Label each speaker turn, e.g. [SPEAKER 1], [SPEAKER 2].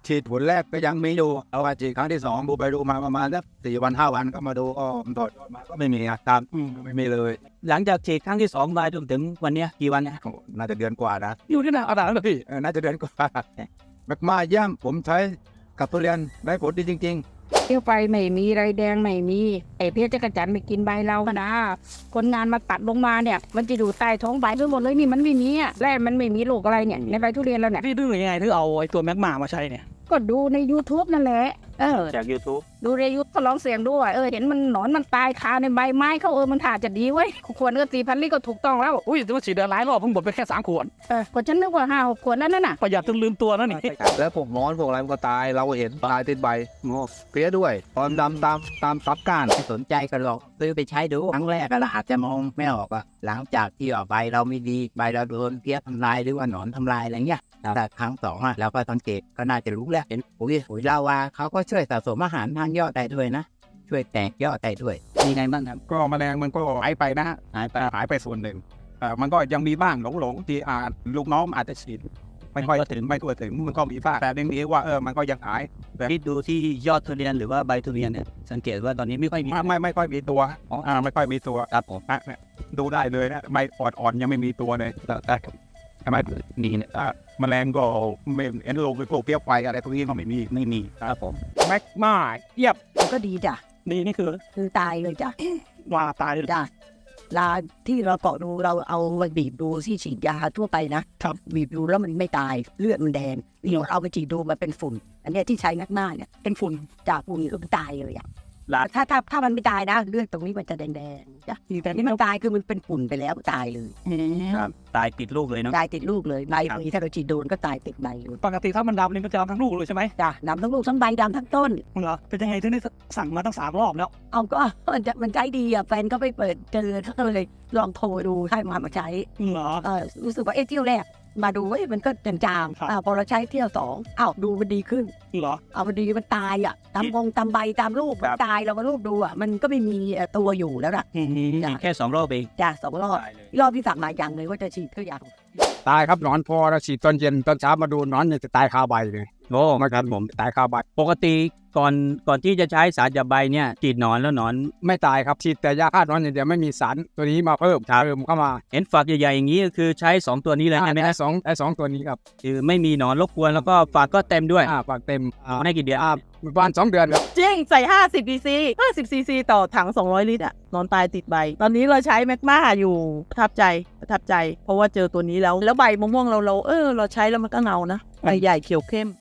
[SPEAKER 1] ฉีดผลแรกก็ยังมีอยู่เอาว่าฉีดครั้งที่2ดูไปดูมาประมาณสัก4 วัน 5 วันก็มาดูก็ถอดยอดมาก็ไม่มีอาการไม่มีเลย
[SPEAKER 2] หลังจากฉีดครั้งที่2มาจนถึงวันนี้กี่วันนะ
[SPEAKER 1] โอ้น่าจะเดือนกว่านะ
[SPEAKER 2] อยู่ที่ไหนเอาด่าเลยพี่
[SPEAKER 1] น่าจะเดือนกว่าแมกมาเยี่ยมผมใช้กับทุเรียนได้ผลดีจริงๆ
[SPEAKER 3] เที่ยวไปไม่มีไรแดงไม่มีไอ้เพชรจักรจันทร์ไปกินใบเราก็นะคนงานมาตัดลงมาเนี่ยมันจะอยู่ใต้ท้องใบทั้งหมดเลยนี่มันไม่มีแร่มันไม่มีโรคอะไรเนี่ยในใบทุเรียนเราเนี่ย
[SPEAKER 2] พี่ดื้อยังไงถึงเอาไอ้ตัวแมกมามาใช้เนี่ย
[SPEAKER 3] ก็ดูใน YouTube นั่นแหละ
[SPEAKER 2] จาก YouTube
[SPEAKER 3] ดูในยูทูบก็ลองเสียงดูว่าเห็นมันหนอนมันตายคาในใบไม้เขามันถ่าจะดีเว้ยควรก็4,000 ลิตรก็ถูกต้องแล้ว
[SPEAKER 2] อุ้ยแต่ว่าฉีดเดือนหลายรอบเพิ่งหมดไปแค่3 ขวด
[SPEAKER 3] ก็ฉันนึกว่า5-6 ขวดนั่นน่ะ
[SPEAKER 2] ประหยัดจนลืมตัวนั่นนี่
[SPEAKER 1] แล้วพวกน้อนพวกอะไรมันก็ตายเราเห็นตายติดใบเพี้ยด้วยตอนดำตามซับก้าน
[SPEAKER 4] ไม่สนใจกันหรอกซื้อไปใช้ดูครั้งแรกก็อาจจะมองไม่ออกอะหลังจากที่ใบเราไม่ดีใบเราโดนเพี้ยทำลายหรือว่าหนอนทำลายอะไรเงี้ยแต่ครั้ง2อะเราก็สังเกตก็น่าจะรู้แล้วเห็นปุ๋ยลาวาเขาก็ช่วยสะสมอาหารทางยอดได้ด้วยนะช่วยแตกยอดได้ด้วย
[SPEAKER 2] มีไงบ้างครับ
[SPEAKER 1] ก็แมลงมันก็หายไปนะหายไปส่วนหนึ่งมันก็ยังมีบ้างหลงที่ลูกน้องอาจจะฉีดไม่ค่อยถึงไม่ทั่วถึงมันก็มีบ้างแต่เรื่องนี้ว่ามันก็ยังหายแต่
[SPEAKER 2] พี่ดูที่ยอดทุเรียนหรือว่าใบทุเรียนเนี่ยสังเกตว่าตอนนี้ไม่ค่อยมี
[SPEAKER 1] ไม่ค่อยมีตัวไม่ค่อยมีตัว
[SPEAKER 2] ครับผม
[SPEAKER 1] เนี่ยดูได้เลยนะใบอ่อนๆยังไม่มีตัวเลยแต่ทำไมนี่เนี่ยแมลงก็ไม่เห็นลงไปพวกเปรี้ยวไฟอะไรพวกนี้ก็ไม่มี
[SPEAKER 2] ครับผม
[SPEAKER 1] แมกมาเยียบ
[SPEAKER 5] มันก็ดีจ้ะ
[SPEAKER 2] ดีนี่คือ
[SPEAKER 5] คือตายเลยจ้ะ
[SPEAKER 2] ว่าตายเลย
[SPEAKER 5] จ้ะลาที่เราเกาะดูเราเอาไปบีบดูที่ฉีดยาทั่วไปนะครับ บีบดูแล้วมันไม่ตายเลือดมันแดงนี่เราเอาไปฉีดดูมันเป็นฝุ่น อันเนี้ยที่ใช้นักหน้าเนี่ยเป็นฝุ่นจากฝุ่นก็ตายเลยอ่ะถ้ามันไม่ตายนะเลือดตรงนี้มันจะแดงๆจ้ะแต่ที่มันตายคือมันเป็นฝุ่นไปแล้วตายเลย
[SPEAKER 2] ครับตายติดลูกเลยเนาะ
[SPEAKER 5] ตายติดลูกเลยใบเลยถ้าเราฉีดโดนก็ตายติดใบเลย
[SPEAKER 2] ปกติถ้ามันดำนี่มันจะดำทั้งลูกเลยใช่ไหม
[SPEAKER 5] จ้ะดำทั้งลูกทั้งใบดำทั้งต้น
[SPEAKER 2] เหรอเป็นยังไงถึงได้สั่งมาตั้ง3 รอบแล้ว
[SPEAKER 5] เอาก็มันใจดีอ่ะแฟนก็ไปเปิดเจอเขาก็เลยลองโทรดูให้มาใช้
[SPEAKER 2] เหรอ
[SPEAKER 5] รู้สึกว่าเที่ยวแรกมาดูมันก็จาง
[SPEAKER 2] ครับ
[SPEAKER 5] ๆพอเราใช้เที่ยว2ดูมันดีขึ้น
[SPEAKER 2] เหรอ
[SPEAKER 5] มันดีมันตายอ่ะตามใบตามลูกมันตายเรามาลูกดูอ่ะมันก็ไม่มีตัวอยู่แล้วล่ะ จ้ะ
[SPEAKER 2] แค่2 รอบเอง
[SPEAKER 5] จ้ะ2 รอบ
[SPEAKER 2] ตายเลย
[SPEAKER 5] รอบที่สั่งมาอย่างเลยว่าจะฉีดก็อย่าง
[SPEAKER 1] ตายครับหนอนพอเราฉีดตอนเย็นตอนเช้ามาดูหนอนเนี่ยจะตายคาใบเลย
[SPEAKER 2] โอ้
[SPEAKER 1] ไม่ครับผมตายคาใบ
[SPEAKER 2] ปกติก่อนที่จะใช้สารจับใบเนี่ยฉีดหนอนแล้วหนอน
[SPEAKER 1] ไม่ตายครับฉีดแต่ยาฆ่าหนอนอย่างเดียวไม่มีสารตัวนี้มาเพิ่มเข้ามา
[SPEAKER 2] เห็นฝักใหญ่ๆอย่างนี้ก็คือใช้2 ตัวนี้เลยใช่ไหม
[SPEAKER 1] ได้
[SPEAKER 2] ฮะ
[SPEAKER 1] สองตัวนี้ครับ
[SPEAKER 2] คือไม่มีหนอนรบกวนแล้วก็ฝักก็เต็มด้วย
[SPEAKER 1] ฝากเต็ม
[SPEAKER 2] ไม่กี่เดือน
[SPEAKER 1] ประมาณ2 เดือนครับ
[SPEAKER 6] จริงใส่50 cc 50 cc ต่อถัง 200 ลิตรอะนอนตายติดใบ ตอนนี้เราใช้แมกมาอยู่ประทับใจ เพราะว่าเจอตัวนี้แล้วใบมะม่วงเราใช้แล้วมันก็เงานะใบใหญ่เขียวเข้ม